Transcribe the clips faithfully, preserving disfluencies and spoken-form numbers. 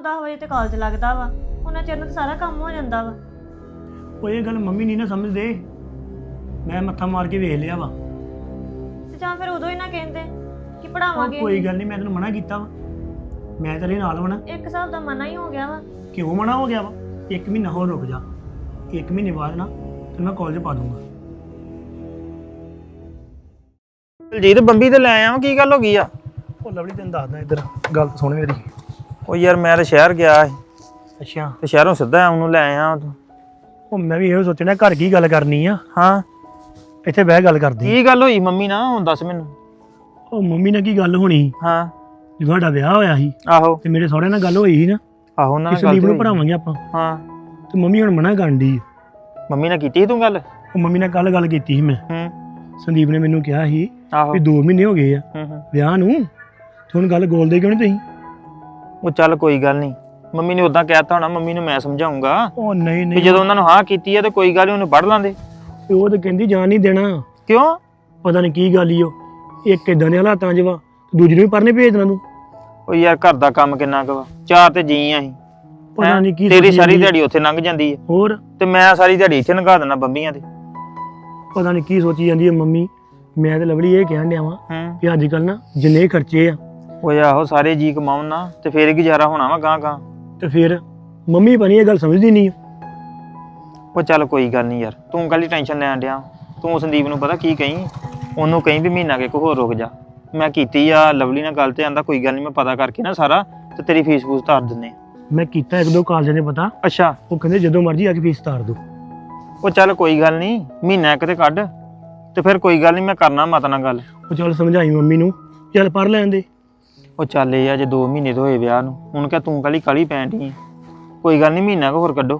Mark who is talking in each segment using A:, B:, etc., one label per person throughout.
A: दस बजे तो कॉलेज लगता वा उन्हें चिर तो सारा काम हो जाता वा।
B: ਉਹ ਇਹ ਗੱਲ ਮੰਮੀ ਨਹੀਂ ਨਾ ਸਮਝਦੇ। ਮੈਂ ਮੱਥਾ ਮਾਰ ਕੇ ਵੇਖ ਲਿਆ ਵਾ।
A: ਤੇ ਜਾਂ ਫਿਰ ਉਦੋਂ ਹੀ ਨਾ ਕਹਿੰਦੇ ਕਿ
B: ਉਹ
A: ਪੜਾਵਾਂਗੇ।
B: ਕੋਈ ਗੱਲ ਨਹੀਂ, ਮੈਂ ਤੈਨੂੰ ਮਨਾ ਕੀਤਾ ਵਾ। ਮੈਂ ਤੇਰੇ ਨਾਲ ਵਣਾ।
A: ਇੱਕ ਹਿਸਾਬ ਦਾ ਮਨਾ ਹੀ ਹੋ ਗਿਆ ਵਾ।
B: ਕਿਉਂ ਮਨਾ ਹੋ ਗਿਆ ਵਾ? ਇੱਕ ਮਹੀਨਾ ਹੋਰ ਰੁਕ ਜਾ। ਇੱਕ ਮਹੀਨੇ ਬਾਅਦ ਨਾ ਤੈਨੂੰ ਮੈਂ ਕਾਲਜ ਪਾ ਦੂੰਗਾ।
C: ਦਲਜੀਤ ਬੰਬੀ ਤੇ ਲੈ ਆਵਾਂ, ਕੀ ਗੱਲ ਹੋ ਗਈ ਆ?
B: ਉਹ ਲਵਲੀ ਤੈਨੂੰ ਦੱਸਦਾ ਇੱਧਰ ਗੱਲ ਤਾਂ ਸੁਣ ਮੇਰੀ।
C: ਉਹ ਯਾਰ ਮੈਂ ਤਾਂ ਸ਼ਹਿਰ ਗਿਆ ਸੀ
B: ਅੱਛਾ।
C: ਤੇ ਸ਼ਹਿਰੋਂ ਸਿੱਧਾ ਉਹਨੂੰ ਲੈ ਆਇਆ ਤੂੰ।
B: ਉਹ ਮੈਂ ਵੀ ਇਹੋ ਸੋਚਣਾ ਘਰ ਕੀ ਗੱਲ ਕਰਨੀ ਆ।
C: ਹਾਂ
B: ਇੱਥੇ ਬਹਿ ਗੱਲ ਕਰਦੀ।
C: ਕੀ ਗੱਲ ਹੋਈ ਮੰਮੀ ਨਾਲ, ਹੁਣ ਦੱਸ ਮੈਨੂੰ।
B: ਉਹ ਮੰਮੀ ਨਾਲ ਕੀ ਗੱਲ ਹੋਣੀ?
C: ਹਾਂ
B: ਜਦੋਂ ਸਾਡਾ ਵਿਆਹ ਹੋਇਆ ਸੀ
C: ਆਹੋ
B: ਤੇ ਮੇਰੇ ਸਹੁਰੇ ਨਾਲ ਗੱਲ ਹੋਈ ਸੀ ਨਾ,
C: ਆਹੋ ਉਹਨਾਂ ਨਾਲ
B: ਸੰਦੀਪ ਨੂੰ
C: ਗੱਲ
B: ਪੜਾਵਾਂਗੇ ਆਪਾਂ।
C: ਹਾਂ
B: ਤੇ ਮੰਮੀ ਹੁਣ ਮਨਾ ਕਰਨ ਡਈ।
C: ਮੰਮੀ ਨਾਲ ਕੀਤੀ ਸੀ ਤੂੰ ਗੱਲ?
B: ਉਹ ਮੰਮੀ ਨਾਲ ਕੱਲ ਗੱਲ ਕੀਤੀ ਸੀ ਮੈਂ।
C: ਹੂੰ
B: ਸੰਦੀਪ ਨੇ ਮੈਨੂੰ ਕਿਹਾ ਸੀ
C: ਆਹੋ
B: ਵੀ ਦੋ ਮਹੀਨੇ ਹੋ ਗਏ ਆ
C: ਹੂੰ ਹੂੰ
B: ਵਿਆਹ ਨੂੰ, ਤੇ ਹੁਣ ਗੱਲ ਗੋਲਦੇ ਕਿਉਂ ਨਹੀਂ ਤੁਸੀਂ?
C: ਉਹ ਚੱਲ ਕੋਈ ਗੱਲ ਨਹੀਂ, ਮੰਮੀ ਨੇ ਉਦਾਂ ਕਹਿਤਾ ਹੋਣਾ, ਮੰਮੀ ਨੂੰ ਮੈਂ ਸਮਝਾਉਂਗਾ
B: ਉਹ ਨਹੀਂ
C: ਵੀ
B: ਨਹੀਂ,
C: ਜਦੋਂ ਉਹਨਾਂ ਨੂੰ ਹਾਂ ਕੀਤੀ ਆ ਤੇ ਕੋਈ ਗੱਲ ਨੀ, ਉਹਨੂੰ ਪੜ ਲਾਂਦੇ।
B: ਤੇ ਉਹ ਤਾਂ ਕਹਿੰਦੀ ਜਾਣ ਨਹੀਂ ਦੇਣਾ।
C: ਕਿਉਂ?
B: ਪਤਾ ਨਹੀਂ ਕੀ ਗੱਲ ਈ। ਉਹ ਇੱਕ ਇਦਾਂ ਦੇ ਹਾਲਾਤਾਂ 'ਚ ਵਾ, ਦੂਜੀ ਨੂੰ ਵੀ ਪੜ੍ਹਨੇ ਭੇਜ ਦੇਣਾ ਤੂੰ।
C: ਉਹ ਯਾਰ ਘਰ ਦਾ ਕੰਮ ਕਿੰਨਾ ਕੁ ਵਾ, ਚਾਰ ਤੇ ਜੀ ਆ ਅਸੀਂ।
B: ਪਤਾ ਨਹੀਂ ਕੀ
C: ਤੇਰੀ
B: ਸੋਚੀ
C: ਸਾਰੀ
B: ਜਾਂਦੀ ਆ।
C: ਦਿਹਾੜੀ ਉੱਥੇ ਲੰਘ ਜਾਂਦੀ ਹੈ
B: ਹੋਰ
C: ਤੇ ਮੈਂ ਸਾਰੀ ਦਿਹਾੜੀ ਇੱਥੇ ਲੰਘਾ ਦੇਣਾ ਬੰਬੀਆਂ ਤੇ।
B: ਪਤਾ ਨਹੀਂ ਕੀ ਸੋਚੀ ਜਾਂਦੀ ਹੈ ਮੰਮੀ। ਮੈਂ ਤੇ ਲਵਲੀ ਇਹ ਕਹਿਣ ਡਿਆ ਵਾਂ
C: ਹੂੰ
B: ਕਿ ਅੱਜ ਕੱਲ ਨਾ ਜਿੰਨੇ ਖਰਚੇ ਆ
C: ਉਹ ਆਹੋ ਸਾਰੇ ਜੀ ਕਮਾਉਣ ਨਾ ਤੇ ਫੇਰ ਹੀ ਗੁਜ਼ਾਰਾ ਹੋਣਾ ਵਾ ਗਾਂ ਗਾਂ।
B: ਤੇ ਫਿਰ ਮੰਮੀ ਬਣੀ ਇਹ ਗੱਲ ਸਮਝਦੀ ਨਹੀਂ।
C: ਉਹ ਚੱਲ ਕੋਈ ਗੱਲ ਨਹੀਂ ਯਾਰ, ਤੂੰ ਕੱਲੀ ਟੈਨਸ਼ਨ ਲੈਣ ਡਿਆ। ਤੂੰ ਸੰਦੀਪ ਨੂੰ ਪਤਾ ਕੀ ਕਹੀਂ, ਉਹਨੂੰ ਕਹੀਂ ਵੀ ਮਹੀਨਾ ਕੇ ਕੋ ਹੋਰ ਰੁਕ ਜਾ। ਮੈਂ ਕੀਤੀ ਆ ਲਵਲੀ ਨਾਲ ਗੱਲ ਤੇ ਆਂਦਾ ਕੋਈ ਗੱਲ ਨਹੀਂ, ਮੈਂ ਪਤਾ ਕਰਕੇ ਨਾ ਸਾਰਾ ਤੇ ਤੇਰੀ ਫੀਸ ਫੂਸ ਤਾਰ ਦਿੰਦੇ।
B: ਮੈਂ ਕੀਤਾ ਇੱਕ ਦੋ ਕਾਲਜਾਂ ਦੇ ਪਤਾ,
C: ਅੱਛਾ
B: ਉਹ ਕਹਿੰਦੇ ਜਦੋਂ ਮਰਜ਼ੀ ਆ ਕੇ ਫੀਸ ਤਾਰ ਦੋ।
C: ਉਹ ਚੱਲ ਕੋਈ ਗੱਲ ਨਹੀਂ, ਮਹੀਨਾ ਇੱਕ ਤੇ ਕੱਢ ਤੇ ਫਿਰ ਕੋਈ ਗੱਲ ਨਹੀਂ, ਮੈਂ ਕਰਨਾ ਮਾਤਾ ਨਾਲ ਗੱਲ।
B: ਉਹ ਚੱਲ ਸਮਝਾਈ ਮੰਮੀ ਨੂੰ, ਚੱਲ ਪੜ੍ਹ ਲੈਣ ਦੇ।
C: ਉਹ ਚੱਲ ਇਹ ਆ ਜੇ ਦੋ ਮਹੀਨੇ ਤੋਂ ਹੋਏ ਵਿਆਹ ਨੂੰ, ਹੁਣ ਕਿਆ ਤੂੰ ਕਾਲੀ ਕਾਲੀ ਪੈਣ ਡਈ ਆਂ। ਕੋਈ ਗੱਲ ਨਹੀਂ, ਮਹੀਨਾ ਕੁ ਹੋਰ ਕੱਢੋ।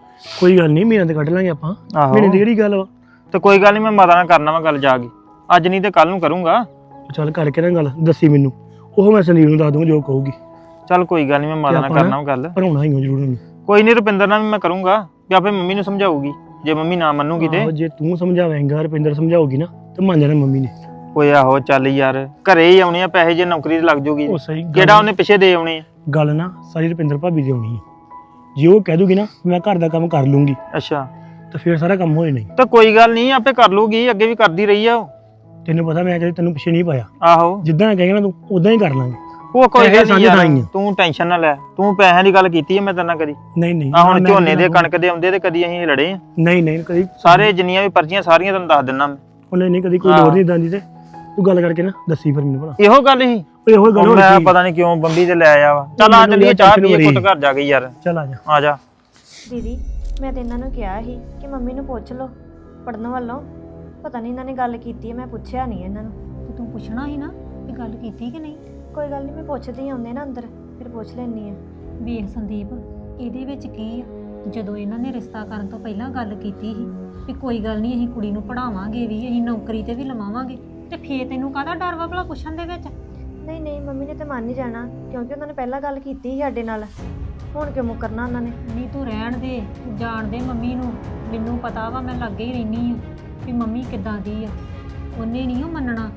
B: ਕੋਈ ਗੱਲ ਨਹੀਂ, ਮਹੀਨਾ ਤੇ ਕੱਢ ਲਾਂਗੇ ਆਪਾਂ।
C: ਆਹੋ
B: ਮਹੀਨੇ ਦੀ ਕਿਹੜੀ ਗੱਲ ਵਾ?
C: ਤੇ ਕੋਈ ਗੱਲ ਨਹੀਂ, ਮੈਂ ਮਾਤਾ ਨਾਲ ਕਰਨਾ ਵਾ ਗੱਲ ਜਾ ਕੇ, ਅੱਜ ਨਹੀਂ ਤੇ ਕੱਲ ਨੂੰ ਕਰੂੰਗਾ।
B: ਉਹ ਚੱਲ ਕਰਕੇ ਨਾ ਗੱਲ ਦੱਸੀ ਮੈਨੂੰ, ਉਹ ਮੈਂ ਸੰਦੀਪ ਨੂੰ ਦੱਸ ਦੂੰਗਾ ਜੋ ਕਹੂਗੀ।
C: ਚੱਲ ਕੋਈ ਗੱਲ ਨਹੀਂ, ਮੈਂ ਮਾਤਾ ਨਾਲ ਕਰਨਾ ਵਾ ਗੱਲ।
B: ਪੜਾਉਣਾ ਹੀ ਜ਼ਰੂਰ ਉਹਨੂੰ।
C: ਕੋਈ ਨਹੀਂ, ਰੁਪਿੰਦਰ ਨਾਲ ਵੀ ਮੈਂ ਕਰੂੰਗਾ ਵੀ ਆਪੇ ਮੰਮੀ ਨੂੰ ਸਮਝਾਊਗੀ, ਜੇ ਮੰਮੀ ਨਾ ਮੰਨੂਗੀ ਤੇ।
B: ਆਹੋ, ਜੇ ਤੂੰ ਸਮਝਾਵੇਂਗਾ ਰੁਪਿੰਦਰ ਸਮਝਾਉਗੀ ਨਾ ਤੇ ਮੰਨ ਜਾਣਾ ਮੰਮੀ ਨੇ।
C: ਓਏ ਆਹੋ ਚੱਲ ਯਾਰ, ਘਰੇ ਹੀ ਆਉਣੇ ਆ ਪੈਸੇ, ਜੇ ਨੌਕਰੀ ਤੇ ਲੱਗ ਜੂਗੀ
B: ਉਹ ਸਹੀ ਗੱਲ-
C: ਕਿਹੜਾ ਉਹਨੇ ਪਿੱਛੇ ਦੇ ਆਉਣੇ ਆ।
B: ਗੱਲ ਨਾ ਸਾਰੀ ਰੁਪਿੰਦਰ ਭਾਬੀ ਦੀ ਆਉਣੀ ਹੈ। ਜੇ ਉਹ ਕਹਿ ਦੂਗੀ ਨਾ ਮੈਂ ਘਰ ਦਾ ਕੰਮ ਕਰ ਲੂੰਗੀ
C: ਅੱਛਾ
B: ਤਾਂ ਫਿਰ ਸਾਰਾ ਕੰਮ ਹੋਏ ਨਹੀਂ।
C: ਤਾਂ ਕੋਈ ਗੱਲ ਨਹੀਂ, ਆਪੇ ਕਰ ਲੂਗੀ, ਅੱਗੇ ਵੀ ਕਰਦੀ ਰਹੀ ਆ ਉਹ।
B: ਤੈਨੂੰ ਪਤਾ ਮੈਂ ਕਦੇ ਤੈਨੂੰ ਪਿੱਛੇ ਨਹੀਂ ਪਾਇਆ।
C: ਆਹੋ
B: ਜਿੱਦਾਂ ਕਹੇਗਾ ਨਾ ਤੂੰ ਉਦਾਂ ਹੀ ਕਰ ਲਾਂਗੇ।
C: ਉਹ ਕੋਈ
B: ਪੈਸੇ
C: ਗੱਲ
B: ਸਾਂਝੇ
C: ਨਹੀਂ ਯਾਰ,
B: ਤਾਂ ਹੀ ਆ।
C: ਤੂੰ ਟੈਨਸ਼ਨ ਨਾ ਲੈ। ਤੂੰ ਪੈਸਿਆਂ ਦੀ ਗੱਲ ਕੀਤੀ ਹੈ ਮੈਂ ਤੇਰੇ ਨਾਲ ਕਦੀ?
B: ਨਹੀਂ ਨਹੀਂ
C: ਆ ਹੁਣ
B: ਮੈਂ
C: ਝੋਨੇ ਦੇ
B: ਤੈਨੂੰ-
C: ਕਣਕ ਦੇ ਆਉਂਦੇ ਤੇ ਕਦੀ ਅਸੀਂ ਲੜੇ ਆ।
B: ਨਹੀਂ ਨਹੀਂ ਕਦੀ
C: ਸਾਰੇ ਜਿੰਨੀਆਂ ਵੀ ਪਰਚੀਆਂ ਸਾਰੀਆਂ ਤੈਨੂੰ ਦੱਸ ਦਿੰਦਾ ਮੈਂ।
B: ਉਹਨੇ ਨਹੀਂ ਕਦੀ ਕੋਈ ਲੋੜ ਨਹੀਂ ਦਾਂਦੀ ਤੇ ਤੂੰ ਗੱਲ ਕਰਕੇ ਨਾ ਦੱਸੀ ਫਿਰ ਮੈਨੂੰ ਭਲਾ।
C: ਇਹੋ ਗੱਲ ਹੀ
B: ਓਏ ਇਹੋ ਗੱਲ ਹੋ
C: ਮੈਂ
B: ਰਹੀ।
C: ਪਤਾ ਨਹੀਂ ਕਿਉਂ ਬੰਬੀ ਤੇ ਲੈ ਆਇਆ ਵਾ। ਚੱਲ ਆ ਚੱਲੀਏ, ਚਾਹ ਪੀਏ ਕੁੱਟ ਘਰ ਜਾ ਕੇ ਯਾਰ।
B: ਚੱਲ ਆ ਜਾ।
C: ਆ ਜਾ।
A: ਦੀਦੀ ਮੈਂ ਤੇ ਇਹਨਾਂ ਨੂੰ ਕਿਹਾ ਸੀ ਕਿ ਮੰਮੀ ਨੂੰ ਪੁੱਛ ਲਓ ਪੜਨ ਵੱਲੋਂ, ਪਤਾ ਨਹੀਂ ਇਹਨਾਂ ਨੇ ਗੱਲ ਕੀਤੀ ਹੈ, ਮੈਂ ਪੁੱਛਿਆ ਨਹੀਂ ਇਹਨਾਂ ਨੂੰ।
D: ਤੇ ਤੂੰ ਪੁੱਛਣਾ ਸੀ ਨਾ ਵੀ ਗੱਲ ਕੀਤੀ ਕਿ ਨਹੀਂ।
A: ਕੋਈ ਗੱਲ ਨਹੀਂ, ਮੈਂ ਪੁੱਛਦੀ ਆਉਂਦੇ ਨਾ ਅੰਦਰ ਫਿਰ ਪੁੱਛ ਲੈਣੀ ਆ।
D: ਵੇਖ ਸੰਦੀਪ, ਇਹਦੇ ਵਿੱਚ ਕੀ ਆ, ਜਦੋਂ ਇਹਨਾਂ ਨੇ ਰਿਸ਼ਤਾ ਕਰਨ ਤੋਂ ਪਹਿਲਾਂ ਗੱਲ ਕੀਤੀ ਸੀ ਵੀ ਕੋਈ ਗੱਲ ਨਹੀਂ ਅਸੀਂ ਕੁੜੀ ਨੂੰ ਪੜਾਵਾਂਗੇ ਵੀ, ਅਸੀਂ ਨੌਕਰੀ ਤੇ ਵੀ ਲਵਾਵਾਂਗੇ, ਤੇ ਫੇਰ ਤੈਨੂੰ ਕਾਹਦਾ ਡਰ ਵਾ ਭਲਾ ਪੁੱਛਣ ਦੇ ਵਿੱਚ?
A: ਨਹੀਂ ਨਹੀਂ ਮੰਮੀ ਨੇ ਤਾਂ ਮੰਨ ਹੀ ਜਾਣਾ, ਕਿਉਂਕਿ ਉਹਨਾਂ ਨੇ ਪਹਿਲਾਂ ਗੱਲ ਕੀਤੀ ਸੀ ਸਾਡੇ ਨਾਲ, ਹੁਣ ਕਿਉਂ ਮੁਕਰਨਾ ਉਹਨਾਂ ਨੇ।
D: ਨਹੀਂ ਤੂੰ ਰਹਿਣ ਦੇ, ਜਾਣ ਦੇ ਮੰਮੀ ਨੂੰ। ਮੈਨੂੰ ਪਤਾ ਵਾ, ਮੈਂ ਲੱਗੇ ਹੀ ਰਹਿਨੀ ਆ ਵੀ ਮੰਮੀ ਕਿੱਦਾਂ ਦੀ ਆ। ਉਹਨੇ ਨਹੀਂ ਉਹ ਮੰਨਣਾ,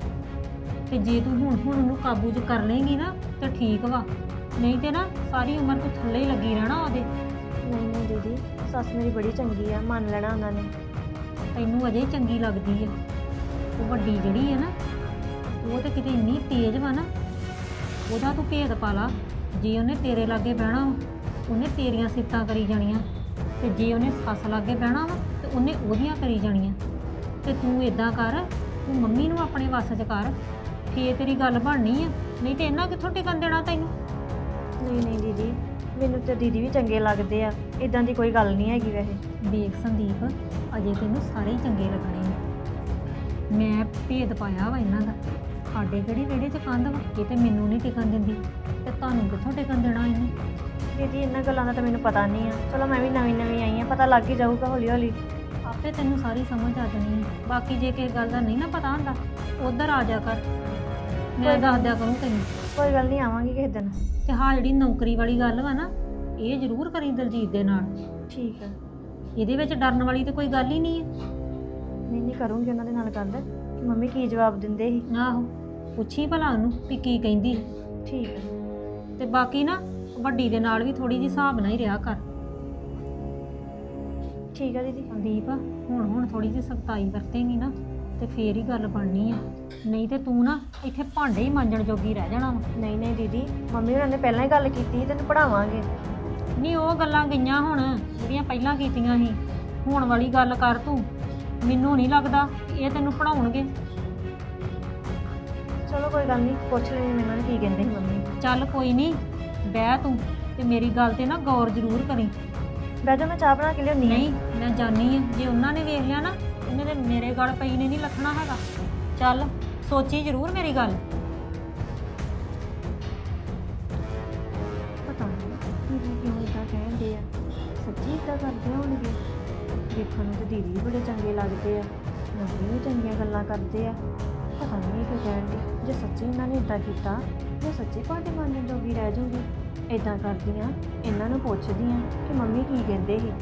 D: ਤੇ ਜੇ ਤੂੰ ਹੁਣ ਹੁਣ ਉਹਨੂੰ ਕਾਬੂ 'ਚ ਕਰ ਲੇਂਗੀ ਨਾ ਤੇ ਠੀਕ ਵਾ, ਨਹੀਂ ਤੇ ਨਾ ਸਾਰੀ ਉਮਰ ਤੂੰ ਥੱਲੇ ਹੀ ਲੱਗੀ ਰਹਿਣਾ ਉਹਦੇ।
A: ਨਹੀਂ ਨਹੀਂ ਦੀਦੀ, ਸੱਸ ਮੇਰੀ ਬੜੀ ਚੰਗੀ ਆ, ਮੰਨ ਲੈਣਾ ਉਹਨਾਂ ਨੇ।
D: ਤੈਨੂੰ ਅਜੇ ਚੰਗੀ ਲੱਗਦੀ ਆ, ਉਹ ਵੱਡੀ ਜਿਹੜੀ ਆ ਨਾ, ਉਹ ਤੇ ਕਿਤੇ ਇੰਨੀ ਤੇਜ਼ ਵਾ ਨਾ, ਉਹਦਾ ਤੂੰ ਭੇਦ ਪਾ ਲਾ। ਜੇ ਉਹਨੇ ਤੇਰੇ ਲਾਗੇ ਬਹਿਣਾ ਵਾ, ਉਹਨੇ ਤੇਰੀਆਂ ਸਿਫਤਾਂ ਕਰੀ ਜਾਣੀਆਂ, ਤੇ ਜੇ ਉਹਨੇ ਸੱਸ ਲਾਗੇ ਬਹਿਣਾ ਵਾ ਤੇ ਉਹਨੇ ਉਹਦੀਆਂ ਕਰੀ ਜਾਣੀਆਂ। ਤੇ ਤੂੰ ਇਦਾਂ ਕਰ, ਤੂੰ ਮੰਮੀ ਨੂੰ ਆਪਣੇ ਵੱਸ 'ਚ ਕਰ, ਫੇਰ ਤੇਰੀ ਗੱਲ ਬਣਨੀ ਆ, ਨਹੀਂ ਤੇ ਇਹਨਾਂ ਕਿੱਥੋਂ ਟਿਕਣ ਦੇਣਾ ਤੈਨੂੰ।
A: ਨਹੀਂ ਨਹੀਂ ਦੀਦੀ, ਮੈਨੂੰ ਤੇ ਦੀਦੀ ਵੀ ਚੰਗੇ ਲੱਗਦੇ ਆ, ਇਦਾਂ ਦੀ ਕੋਈ ਗੱਲ ਨਹੀਂ ਹੈਗੀ ਵੈਸੇ।
D: ਵੇਖ ਸੰਦੀਪ, ਅਜੇ ਤੈਨੂੰ ਸਾਰੇ ਹੀ ਚੰਗੇ ਲੱਗਣੇ ਨੇ। ਮੈਂ ਭੇਦ ਪਾਇਆ ਵਾ ਇਹਨਾਂ ਦਾ, ਸਾਡੇ ਕਿਹੜੀ ਵਿਹੜੇ 'ਚ ਕੰਧ ਵਾ, ਇਹ ਤੇ ਮੈਨੂੰ ਨਹੀਂ ਟਿਕਣ ਦਿੰਦੀ, ਤੇ ਤੁਹਾਨੂੰ ਕਿੱਥੋਂ ਟਿਕਣ ਦੇਣਾ ਇਹਨੇ।
A: ਦੀਦੀ ਇਹਨਾਂ ਗੱਲਾਂ ਦਾ ਤਾਂ ਮੈਨੂੰ ਪਤਾ ਨਹੀਂ ਆ, ਚਲੋ ਮੈਂ ਵੀ ਨਵੀਂ ਨਵੀਂ ਆਈ ਆ, ਪਤਾ ਲੱਗ ਹੀ ਜਾਊਗਾ ਹੌਲੀ ਹੌਲੀ।
D: ਆਪੇ ਤੈਨੂੰ ਸਾਰੀ ਸਮਝ ਆ ਜਾਣੀ ਹੈ। ਬਾਕੀ ਜੇ ਕਿਸੇ ਗੱਲ ਦਾ ਨਹੀਂ ਨਾ ਪਤਾ ਹੁੰਦਾ, ਉਧਰ ਆ ਜਾ ਕਰ, ਮੈਂ ਦੱਸ ਦਿਆ ਕਰੂੰ ਤੈਨੂੰ।
A: ਕੋਈ ਗੱਲ ਨਹੀਂ, ਆਵਾਂਗੀ ਕਿਸੇ ਦਿਨ।
D: ਤੇ ਹਾਂ ਜਿਹੜੀ ਨੌਕਰੀ ਵਾਲੀ ਗੱਲ ਵਾ ਨਾ, ਇਹ ਜ਼ਰੂਰ ਕਰੀ ਦਲਜੀਤ ਦੇ ਨਾਲ।
A: ਠੀਕ ਆ।
D: ਇਹਦੇ ਵਿੱਚ ਡਰਨ ਵਾਲੀ ਤੇ ਕੋਈ ਗੱਲ ਹੀ ਨਹੀਂ ਹੈ।
A: ਨਹੀਂ ਨਹੀਂ, ਕਰੂੰਗੀ ਉਹਨਾਂ ਦੇ ਨਾਲ ਗੱਲ ਕਿ ਮੰਮੀ ਕੀ ਜਵਾਬ ਦਿੰਦੇ ਸੀ।
D: ਆਹੋ, ਪੁੱਛੀ ਭਲਾ ਉਹਨੂੰ ਵੀ ਕੀ ਕਹਿੰਦੀ।
A: ਠੀਕ ਆ।
D: ਤੇ ਬਾਕੀ ਨਾ ਵੱਡੀ ਦੇ ਨਾਲ ਵੀ ਥੋੜੀ ਜਿਹੀ ਹਿਸਾਬ ਨਾਲ ਹੀ ਰਿਹਾ ਕਰ।
A: ਠੀਕ ਆ ਦੀਦੀ।
D: ਸੰਦੀਪ ਹੁਣ ਹੁਣ ਥੋੜੀ ਜਿਹੀ ਸਖਤਾਈ ਵਰਤੇਂਗੀ ਨਾ ਤੇ ਫੇਰ ਹੀ ਗੱਲ ਬਣਨੀ ਆ, ਨਹੀਂ ਤੇ ਤੂੰ ਨਾ ਇੱਥੇ ਭਾਂਡੇ ਹੀ ਮਾਂਜਣ ਜੋਗੀ ਰਹਿ ਜਾਣਾ ਵਾ।
A: ਨਹੀਂ ਨਹੀਂ ਦੀਦੀ, ਮੰਮੀ ਹੋਰਾਂ ਨੇ ਪਹਿਲਾਂ ਹੀ ਗੱਲ ਕੀਤੀ ਤੈਨੂੰ ਪੜਾਵਾਂਗੇ।
D: ਨਹੀਂ ਉਹ ਗੱਲਾਂ ਗਈਆਂ ਹੁਣ ਜਿਹੜੀਆਂ ਪਹਿਲਾਂ ਕੀਤੀਆਂ ਸੀ, ਹੁਣ ਵਾਲੀ ਗੱਲ ਕਰ ਤੂੰ। ਮੈਨੂੰ ਨਹੀਂ ਲੱਗਦਾ ਕਿ ਇਹ ਤੈਨੂੰ ਪੜਾਉਣਗੇ।
A: ਚਲੋ ਕੋਈ ਗੱਲ ਨਹੀਂ, ਪੁੱਛ ਲੈਣੀ ਮੈਨੂੰ ਨੇ ਕੀ ਕਹਿੰਦੇ ਸੀ ਮੰਮੀ।
D: ਚੱਲ ਕੋਈ ਨਹੀਂ, ਬਹਿ ਤੂੰ ਤੇ ਮੇਰੀ ਗੱਲ ਤੇ ਨਾ ਗੌਰ ਜ਼ਰੂਰ ਕਰੀ।
A: ਬਹਿ ਜਾ, ਮੈਂ ਚਾਹ ਬਣਾ ਕੇ ਲਿਆਉਣੀ।
D: ਨਹੀਂ ਮੈਂ ਜਾਣੀ ਆ, ਜੇ ਉਹਨਾਂ ਨੇ ਵੇਖ ਲਿਆ ਨਾ ਉਹਨੇ ਤੇ ਮੇਰੇ ਗਲ ਪਈ ਨੇ ਨਹੀਂ ਲੱਥਣਾ ਹੈਗਾ। ਚੱਲ ਸੋਚੀ ਜ਼ਰੂਰ ਮੇਰੀ ਗੱਲ।
A: ਪਤਾ ਨਹੀਂ ਦੀਦੀ ਕਿਉਂ ਇਦਾਂ ਕਹਿੰਦੇ ਆ, ਸੱਚੀ ਇਦਾਂ ਕਰਦੇ ਹੋਣਗੇ। ਦੇਖਣ ਨੂੰ ਤਾਂ ਦੀਦੀ ਵੀ ਬੜੇ ਚੰਗੇ ਲੱਗਦੇ ਆ, ਮੰਮੀ ਵੀ ਚੰਗੀਆਂ ਗੱਲਾਂ ਕਰਦੇ ਆ। ਪਤਾ ਨਹੀਂ ਕਿਉਂ ਕਹਿੰਦੇ। ਜੇ ਸੱਚੀ ਇਹਨਾਂ ਨੇ ਇਦਾਂ ਕੀਤਾ, ਮੈਂ ਸੱਚੀ ਭਾਂਡੇ ਮਾਂਜਣ ਜੋਗੀ ਰਹਿ ਜਾਊਗੀ। ਇਦਾਂ ਕਰਦੀ ਆ, ਇਹਨਾਂ ਨੂੰ ਪੁੱਛਦੀ ਆ ਕਿ ਮੰਮੀ ਕੀ ਕਹਿੰਦੇ ਸੀ।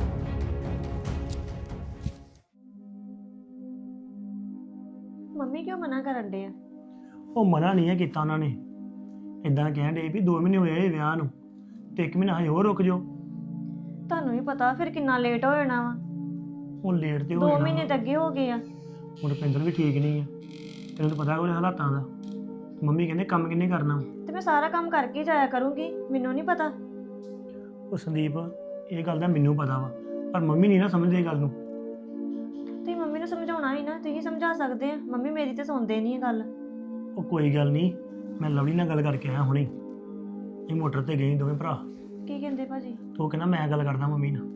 A: ਮੰਮੀ ਕਿਉਂ ਮਨਾ ਕਰਨ ਡੇ ਆ?
B: ਉਹ ਮਨਾ ਨਹੀਂ ਹੈ ਕੀਤਾ ਉਹਨਾਂ ਨੇ, ਇਦਾਂ ਕਹਿਣ ਡੇ ਵੀ ਦੋ ਮਹੀਨੇ ਹੋਏ ਇਹ ਵਿਆਹ ਨੂੰ ਤੇ ਇੱਕ ਮਹੀਨਾ ਹਜੇ ਹੋਰ ਰੁਕ ਜਾਓ।
A: ਤੁਹਾਨੂੰ ਵੀ ਪਤਾ ਫਿਰ ਕਿੰਨਾ ਲੇਟ ਹੋ ਜਾਣਾ ਵਾ।
B: ਉਹ ਲੇਟ ਤੇ ਹੋ
A: ਦੋ
B: ਜਾਣਾ
A: ਮਹੀਨੇ ਤਾਂ ਅੱਗੇ ਹੋ ਗਏ ਆ।
B: ਹੁਣ ਰੁਪਿੰਦਰ ਵੀ ਠੀਕ ਨਹੀਂ ਆ, ਤੈਨੂੰ ਤਾਂ ਪਤਾ ਉਹਦੇ ਹਾਲਾਤਾਂ ਦਾ। ਮੰਮੀ ਕਹਿੰਦੇ ਕੰਮ ਕਿੰਨੇ ਕਰਨਾ।
A: ਤੇ ਮੈਂ ਸਾਰਾ ਕੰਮ ਕਰਕੇ ਜਾਇਆ ਕਰੂੰਗੀ, ਮੈਨੂੰ ਨਹੀਂ ਪਤਾ।
B: ਉਹ ਸੰਦੀਪ ਇਹ ਗੱਲ ਦਾ ਮੈਨੂੰ ਪਤਾ ਵਾ, ਪਰ ਮੰਮੀ ਨਹੀਂ ਨਾ ਸਮਝਦੇ ਇਹ ਗੱਲ ਨੂੰ।
A: ਤੁਸੀਂ ਮੰਮੀ ਨੂੰ ਸਮਝਾਉਣਾ ਹੀ ਨਾ, ਤੁਸੀਂ ਸਮਝਾ ਸਕਦੇ ਆ। ਮੰਮੀ ਮੇਰੀ ਤੇ ਸੁਣਦੇ ਨਹੀਂ ਇਹ ਗੱਲ।
B: ਉਹ ਕੋਈ ਗੱਲ ਨਹੀਂ, ਮੈਂ ਲਵਲੀ ਨਾਲ ਗੱਲ ਕਰਕੇ ਆਇਆ ਹੁਣੇ। ਇਹ ਮੋਟਰ ਤੇ ਗਏ ਦੋਵੇਂ ਭਰਾ,
A: ਕੀ ਕਹਿੰਦੇ ਭਾਜੀ?
B: ਤੇ ਉਹ ਕਹਿੰਦਾ ਮੈਂ ਗੱਲ ਕਰਦਾ ਮੰਮੀ ਨਾਲ।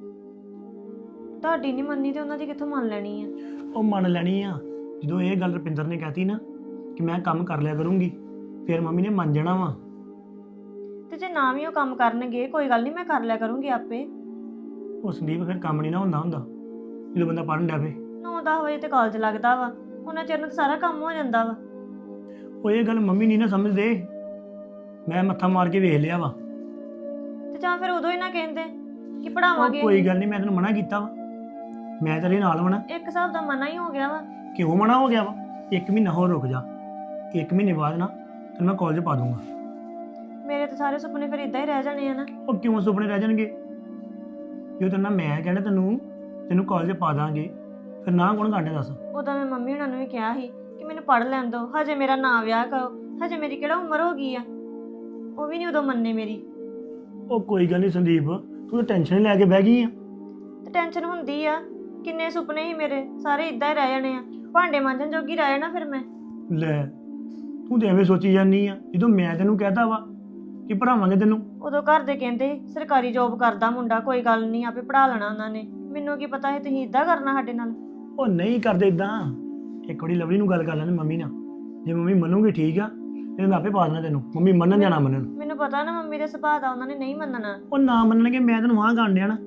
A: ਤੁਹਾਡੀ ਨਹੀਂ ਮੰਨੀ ਤੇ ਉਹਨਾਂ ਦੀ ਕਿੱਥੋਂ ਮੰਨ ਲੈਣੀ ਆ?
B: ਉਹ ਮੰਨ ਲੈਣੀ ਆ, ਜਦੋਂ ਇਹ ਗੱਲ ਰੁਪਿੰਦਰ ਨੇ ਕਹਿਤੀ ਨਾ ਕਿ ਮੈਂ ਕੰਮ ਕਰ ਲਿਆ ਕਰੂੰਗੀ, ਫਿਰ ਮੰਮੀ ਨੇ ਮੰਨ ਜਾਣਾ ਵਾ।
A: ਤੇ ਜੇ ਨਾ ਵੀ ਉਹ ਕੰਮ ਕਰਨਗੇ, ਕੋਈ ਗੱਲ ਨਹੀਂ, ਮੈਂ ਕਰ ਲਿਆ ਕਰੂੰਗੀ ਆਪੇ।
B: ਉਹ ਸੰਦੀਪ ਫਿਰ ਕੰਮ ਨਹੀਂ ਨਾ ਹੁੰਦਾ ਹੁੰਦਾ ਜਦੋਂ ਬੰਦਾ ਪੜ੍ਹਨ ਡਿਆ ਪਏ।
A: ਨੌ ਦਸ ਵਜੇ ਤੇ ਕਾਲਜ ਲੱਗਦਾ ਵਾ, ਉਹਨਾਂ ਚਿਰ ਨੂੰ ਤਾਂ ਸਾਰਾ ਕੰਮ ਹੋ ਜਾਂਦਾ ਵਾ।
B: ਉਹ ਇਹ ਗੱਲ ਮੰਮੀ ਨਹੀਂ ਨਾ ਸਮਝਦੇ, ਮੈਂ ਮੱਥਾ ਮਾਰ ਕੇ ਵੇਖ ਲਿਆ ਵਾ।
A: ਤੇ ਜਾਂ ਫਿਰ ਉਦੋਂ ਹੀ ਨਾ ਕਹਿੰਦੇ ਕਿ
B: ਉਹ
A: ਪੜਾਵਾਂਗੇ।
B: ਕੋਈ ਗੱਲ ਨਹੀਂ, ਮੈਂ ਤੈਨੂੰ ਮਨਾ ਕੀਤਾ ਵਾ, ਮੈਂ ਤੇਰੇ ਨਾਲ ਵਣਾ।
A: ਇੱਕ ਹਿਸਾਬ ਦਾ ਮਨਾ ਹੀ ਹੋ ਗਿਆ ਵਾ।
B: ਕਿਉਂ ਮਨਾ ਹੋ ਗਿਆ ਵਾ? ਇੱਕ ਮਹੀਨਾ ਹੋਰ ਰੁਕ ਜਾ, ਇੱਕ ਮਹੀਨੇ ਬਾਅਦ ਨਾ ਤੈਨੂੰ ਮੈਂ ਕਾਲਜ ਪਾ ਦੂੰਗਾ।
A: ਮੇਰੇ ਤਾਂ ਸਾਰੇ ਸੁਪਨੇ ਫਿਰ ਇਦਾਂ ਹੀ ਰਹਿ ਜਾਣੇ ਆ ਨਾ।
B: ਉਹ ਕਿਉਂ ਸੁਪਨੇ ਰਹਿ ਜਾਣਗੇ? ਜੋ ਤੈਨੂੰ ਮੈਂ ਕਹਿਣਾ ਤੈਨੂੰ ਤੈਨੂੰ ਕਾਲਜ ਪਾ ਦਾਂਗੇ, ਫਿਰ ਨਾ ਕੌਣ ਕਾਂਡੇ ਦੱਸ?
A: ਉਦੋਂ ਮੈਂ ਮੰਮੀ ਉਹਨਾਂ ਨੂੰ ਵੀ ਕਿਹਾ ਸੀ ਕਿ ਮੈਨੂੰ ਪੜ੍ਹ ਲੈਣ ਦਿਓ, ਹਜੇ ਮੇਰਾ ਨਾਂ ਵਿਆਹ ਕਰੋ, ਹਜੇ ਮੇਰੀ ਕਿਹੜਾ ਉਮਰ ਹੋ ਗਈ ਆ। ਉਹ ਵੀ ਨਹੀਂ ਉਦੋਂ ਮੰਨੇ ਮੇਰੀ।
B: ਉਹ ਕੋਈ ਗੱਲ ਨਹੀਂ ਸੰਦੀਪ, ਤੂੰ ਤਾਂ ਟੈਨਸ਼ਨ ਲੈ ਕੇ ਬਹਿ ਗਈ ਆ।
A: ਤੇ ਟੈਨਸ਼ਨ ਹੁੰਦੀ ਆ, ਕਿੰਨੇ ਸੁਪਨੇ ਸੀ ਮੇਰੇ, ਸਾਰੇ ਇਦਾਂ ਹੀ ਰਹਿ ਜਾਣੇ ਆ। ਭਾਂਡੇ ਮਾਂਜਣ ਜੋਗੀ ਰਹਿ ਜਾਣਾ ਫਿਰ ਮੈਂ।
B: ਲੈ ਤੂੰ ਤੇ ਐਵੇਂ ਸੋਚੀ ਜਾਂਦੀ ਆ, ਜਦੋਂ ਮੈਂ ਤੈਨੂੰ ਕਹਿਤਾ ਵਾ ਕਿ ਪੜਾਵਾਂਗੇ ਤੈਨੂੰ।
A: ਉਦੋਂ ਘਰ ਦੇ ਕਹਿੰਦੇ ਸਰਕਾਰੀ ਜੋਬ ਕਰਦਾ ਮੁੰਡਾ, ਕੋਈ ਗੱਲ ਨਹੀਂ, ਆਪੇ ਪੜਾ ਲੈਣਾ ਉਹਨਾਂ ਨੇ। ਮੈਨੂੰ ਕੀ ਪਤਾ ਸੀ ਤੁਸੀਂ ਇਦਾਂ ਕਰਨਾ ਸਾਡੇ ਨਾਲ।
B: ਉਹ ਨਹੀਂ ਕਰਦੇ ਇਦਾਂ। ਇੱਕ ਵਾਰੀ ਲਵਲੀ ਨੂੰ ਗੱਲ ਕਰ ਲੈਣ ਮੰਮੀ ਨਾਲ, ਜੇ ਮੰਮੀ ਮੰਨੂਗੀ ਠੀਕ ਆ, ਫਿਰ ਮੈਂ ਆਪੇ ਪਾ ਦੇਣਾ ਤੈਨੂੰ। ਮੰਮੀ ਮੰਨਣ ਜਾਂ ਨਾ ਮੰਨਣ,
A: ਮੈਨੂੰ ਪਤਾ ਨਾ ਮੰਮੀ ਦੇ ਸੁਭਾਅ ਦਾ, ਉਹਨਾਂ ਨੇ ਨਹੀਂ ਮੰਨਣਾ।
B: ਉਹ ਨਾ ਮੰਨਣਗੇ ਮੈਂ ਤੈਨੂੰ ਹਾਂ ਕਰਨ ਡਿਆ ਨਾ।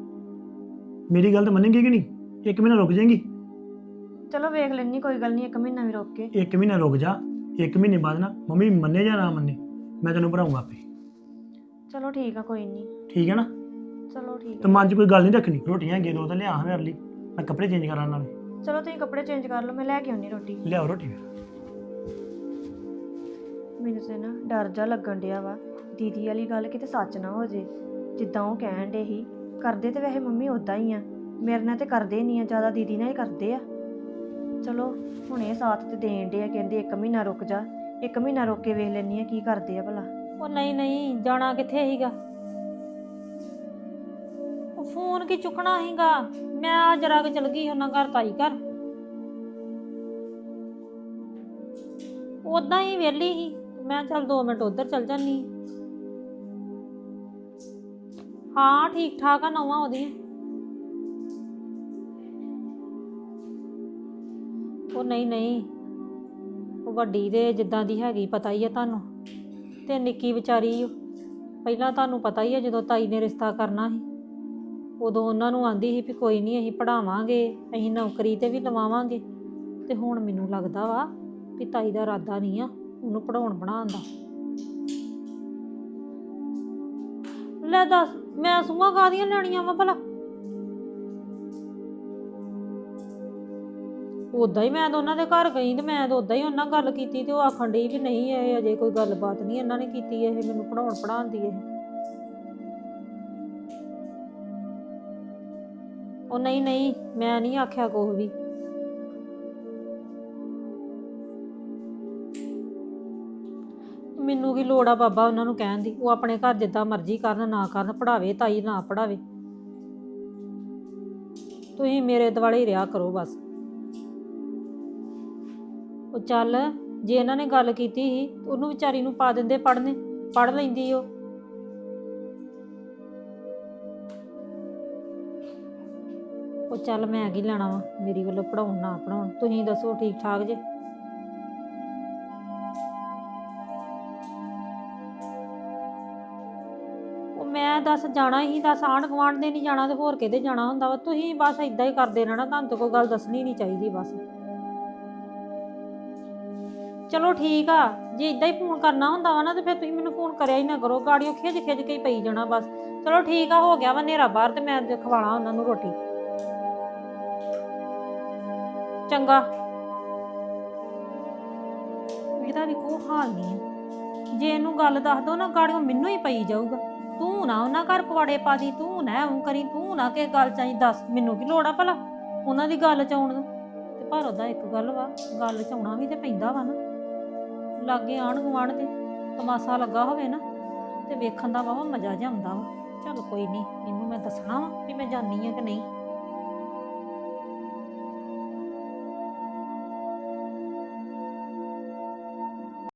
B: ਮੇਰੀ ਗੱਲ ਤਾਂ ਮੰਨੇਗੀ ਕਿ ਨਹੀਂ? ਇੱਕ ਮਹੀਨਾ ਰੁਕ ਜਾਏਗੀ।
A: ਚਲੋ ਵੇਖ ਲੈਣੀ, ਕੋਈ ਗੱਲ ਨਹੀਂ, ਇੱਕ ਮਹੀਨਾ ਵੀ ਰੁਕ ਕੇ।
B: ਇੱਕ ਮਹੀਨਾ ਰੁਕ ਜਾ, ਇੱਕ ਮਹੀਨੇ ਬਾਅਦ ਨਾ ਮੰਮੀ ਮੰਨੇ ਜਾਂ ਨਾ ਮੰਨੇ, ਮੈਂ ਤੈਨੂੰ ਪੜਾਉਂਗਾ ਆਪੇ।
A: ਚਲੋ ਠੀਕ ਆ, ਕੋਈ ਨਹੀਂ।
B: ਠੀਕ ਹੈ ਨਾ?
A: ਚਲੋ ਠੀਕ
B: ਤੇ ਮਨ 'ਚ ਕੋਈ ਗੱਲ ਨਹੀਂ ਰੱਖਣੀ। ਰੋਟੀਆਂ ਹੈਗੀਆਂ ਦੋ ਤਾਂ ਲਿਆ ਮੇਰੇ ਲਈ, ਮੈਂ ਕੱਪੜੇ ਚੇਂਜ ਕਰਾਂ ਨਾਲੇ।
A: ਆ। ਚਲੋ ਤੁਸੀਂ ਕੱਪੜੇ ਚੇਂਜ ਕਰ ਲਓ, ਮੈਂ ਲੈ ਕੇ ਆਉਣੀ ਰੋਟੀ।
B: ਲਿਆਓ ਰੋਟੀ ਫਿਰ।
A: ਮੈਨੂੰ ਤੇ ਨਾ ਡਰ ਜਾ ਲੱਗਣ ਡਿਆ ਵਾ, ਦੀਦੀ ਵਾਲੀ ਗੱਲ ਕਿਤੇ ਸੱਚ ਨਾ ਹੋ ਜੇ। ਜਿੱਦਾਂ ਉਹ ਕਹਿਣ ਡੇ ਸੀ, ਕਰਦੇ ਤੇ ਵੈਸੇ ਮੰਮੀ ਉਦਾਂ ਹੀ ਆ, ਮੇਰੇ ਨਾਲ ਤੇ ਕਰਦੇ ਨਹੀਂ ਆ, ਜ਼ਿਆਦਾ ਦੀਦੀ ਨਾਲ ਹੀ ਕਰਦੇ ਆ। ਚਲੋ ਹੁਣ ਇਹ ਸਾਥ ਤੇ ਦੇਣ ਡੇ ਆ, ਕਹਿੰਦੇ ਇੱਕ ਮਹੀਨਾ ਰੁਕ ਜਾ, ਇੱਕ ਮਹੀਨਾ ਰੁਕ ਕੇ ਵੇਖ ਲੈਣੀ ਆ ਕੀ ਕਰਦੇ ਆ ਭਲਾ।
D: ਉਹ ਨਹੀਂ ਨਹੀਂ, ਜਾਣਾ ਕਿੱਥੇ ਸੀਗਾ? ਉਹ ਫੋਨ ਕੀ ਚੁੱਕਣਾ ਸੀਗਾ? ਮੈਂ ਜਰਾ ਕਿ ਚਲ ਗਈ ਉਹਨਾਂ ਘਰ, ਤਾਈ ਘਰ, ਉਦਾਂ ਹੀ ਵਿਹਲੀ ਸੀ। ਮੈਂ ਚੱਲ ਦੋ ਮਿੰਟ ਉਧਰ ਚਲ ਜਾਨੀ। ਹਾਂ ਠੀਕ ਠਾਕ ਆ ਨੌਵਾਂ ਉਹਦੀਆਂ। ਉਹ ਨਹੀਂ ਨਹੀਂ, ਉਹ ਵੱਡੀ ਦੇ ਜਿੱਦਾਂ ਦੀ ਹੈਗੀ ਪਤਾ ਹੀ ਆ ਤੁਹਾਨੂੰ, ਤੇ ਨਿੱਕੀ ਵਿਚਾਰੀ ਓ। ਪਹਿਲਾਂ ਤੁਹਾਨੂੰ ਪਤਾ ਹੀ ਆ ਜਦੋਂ ਤਾਈ ਨੇ ਰਿਸ਼ਤਾ ਕਰਨਾ ਸੀ, ਉਦੋਂ ਉਹਨਾਂ ਨੂੰ ਆਂਦੀ ਸੀ ਵੀ ਕੋਈ ਨਹੀਂ ਅਸੀਂ ਪੜ੍ਹਾਵਾਂਗੇ, ਅਸੀਂ ਨੌਕਰੀ ਤੇ ਵੀ ਲਵਾਵਾਂਗੇ। ਤੇ ਹੁਣ ਮੈਨੂੰ ਲੱਗਦਾ ਵਾ ਵੀ ਤਾਈ ਦਾ ਇਰਾਦਾ ਨਹੀਂ ਆ ਉਹਨੂੰ ਪੜ੍ਹਾਉਣ ਬਣਾਉਣ ਦਾ। ਲੈ ਦੱਸ, ਮੈਂ ਸੂਆਂ ਕਾਹਦੀਆਂ ਲੈਣੀਆਂ ਵਾ ਭਲਾ? ਉਦਾਂ ਹੀ ਮੈਂ ਤਾਂ ਉਹਨਾਂ ਦੇ ਘਰ ਗਈ ਤੇ ਮੈਂ ਤਾਂ ਉਦਾਂ ਹੀ ਉਹਨਾਂ ਗੱਲ ਕੀਤੀ, ਤੇ ਉਹ ਆਖਣ ਡਈ ਵੀ ਨਹੀਂ ਇਹ ਅਜੇ ਕੋਈ ਗੱਲਬਾਤ ਨਹੀਂ ਇਹਨਾਂ ਨੇ ਕੀਤੀ, ਇਹ ਮੈਨੂੰ ਪੜ੍ਹਾਉਣ ਪੜ੍ਹਾਉਣ ਦੀ ਇਹ। ਉਹ ਨਹੀਂ ਨਹੀਂ ਮੈਂ ਨਹੀਂ ਆਖਿਆ ਕੁਛ ਵੀ। ਮੈਨੂੰ ਕੀ ਲੋੜ ਆ ਬਾਬਾ ਉਹਨਾਂ ਨੂੰ ਕਹਿਣ ਦੀ, ਉਹ ਆਪਣੇ ਘਰ ਜਿੱਦਾਂ ਮਰਜ਼ੀ ਕਰਨ ਨਾ ਕਰਨ, ਪੜਾਵੇ ਤਾਈ ਨਾ ਪੜਾਵੇ, ਤੁਸੀਂ ਮੇਰੇ ਦੁਆਲੇ ਹੀ ਰਿਹਾ ਕਰੋ ਬਸ। ਉਹ ਚੱਲ ਜੇ ਇਹਨਾਂ ਨੇ ਗੱਲ ਕੀਤੀ ਸੀ ਉਹਨੂੰ ਵਿਚਾਰੀ ਨੂੰ ਪਾ ਦਿੰਦੇ ਪੜ੍ਹਨੇ, ਪੜ੍ਹ ਲੈਂਦੀ ਉਹ। ਉਹ ਚੱਲ ਮੈਂ ਕੀ ਲੈਣਾ ਵਾ ਮੇਰੀ ਵੱਲੋਂ ਪੜਾਉਣ ਨਾ ਪੜਾਉਣ, ਤੁਸੀਂ ਦੱਸੋ ਠੀਕ ਠਾਕ ਜੇ? ਉਹ ਮੈਂ ਦੱਸ ਜਾਣਾ ਹੀ, ਦੱਸ ਆਂਢ ਗੁਆਂਢ ਦੇ ਨਹੀਂ ਜਾਣਾ ਤੇ ਹੋਰ ਕਿਤੇ ਜਾਣਾ ਹੁੰਦਾ ਵਾ? ਤੁਸੀਂ ਬਸ ਇਦਾਂ ਹੀ ਕਰਦੇ ਰਹਿਣਾ, ਤੁਹਾਨੂੰ ਤਾਂ ਕੋਈ ਗੱਲ ਦੱਸਣੀ ਨਹੀਂ ਚਾਹੀਦੀ ਬਸ। ਚਲੋ ਠੀਕ ਆ, ਜੇ ਇਦਾਂ ਹੀ ਫੋਨ ਕਰਨਾ ਹੁੰਦਾ ਵਾ ਨਾ ਤੇ ਫਿਰ ਤੁਸੀਂ ਮੈਨੂੰ ਫੋਨ ਕਰਿਆ ਹੀ ਨਾ ਕਰੋ, ਗਾੜੀਓ ਖਿੱਚ ਖਿੱਚ ਕੇ ਹੀ ਪਈ ਜਾਣਾ ਬਸ। ਚਲੋ ਠੀਕ ਆ, ਹੋ ਗਿਆ ਵਾ ਹਨੇਰਾ ਬਾਹਰ ਤੇ ਮੈਂ ਖਵਾਣਾ ਉਹਨਾਂ ਨੂੰ ਰੋਟੀ। ਚੰਗਾ। ਇਹਦਾ ਵੀ ਕੋਈ ਹਾਲ ਨਹੀਂ ਹੈ, ਜੇ ਇਹਨੂੰ ਗੱਲ ਦੱਸ ਦੋ ਨਾ ਗਾੜੀਓ ਮੈਨੂੰ ਹੀ ਪਈ ਜਾਊਗਾ। ਤੂੰ ਨਾ ਉਹਨਾਂ ਘਰ ਪਵਾੜੇ ਪਾ ਦੀ, ਤੂੰ ਨਾ ਉਹ ਕਰੀ, ਤੂੰ ਨਾ ਕਿਸੇ ਗੱਲ ਚਾਹੀ ਦੱਸ, ਮੈਨੂੰ ਕੀ ਲੋੜ ਆ ਭਲਾ ਉਹਨਾਂ ਦੀ ਗੱਲ ਚ ਆਉਣ ਨੂੰ। ਤੇ ਪਰ ਉਹਦਾ ਇੱਕ ਗੱਲ ਵਾ, ਗੱਲ ਚ ਆਉਣਾ ਵੀ ਤੇ ਪੈਂਦਾ ਵਾ ਨਾ, ਲਾਗੇ ਆਂਢ ਗੁਆਂਢ ਤੇ ਤਮਾਸ਼ਾ ਲੱਗਾ ਹੋਵੇ ਨਾ ਤੇ ਵੇਖਣ ਦਾ ਵਾਵਾ ਮਜ਼ਾ ਜਿਹਾ ਆਉਂਦਾ ਵਾ। ਚੱਲ ਕੋਈ ਨਹੀਂ, ਇਹਨੂੰ ਮੈਂ ਦੱਸਣਾ ਵਾ ਵੀ ਮੈਂ ਜਾਣੀ ਆ ਕਿ ਨਹੀਂ।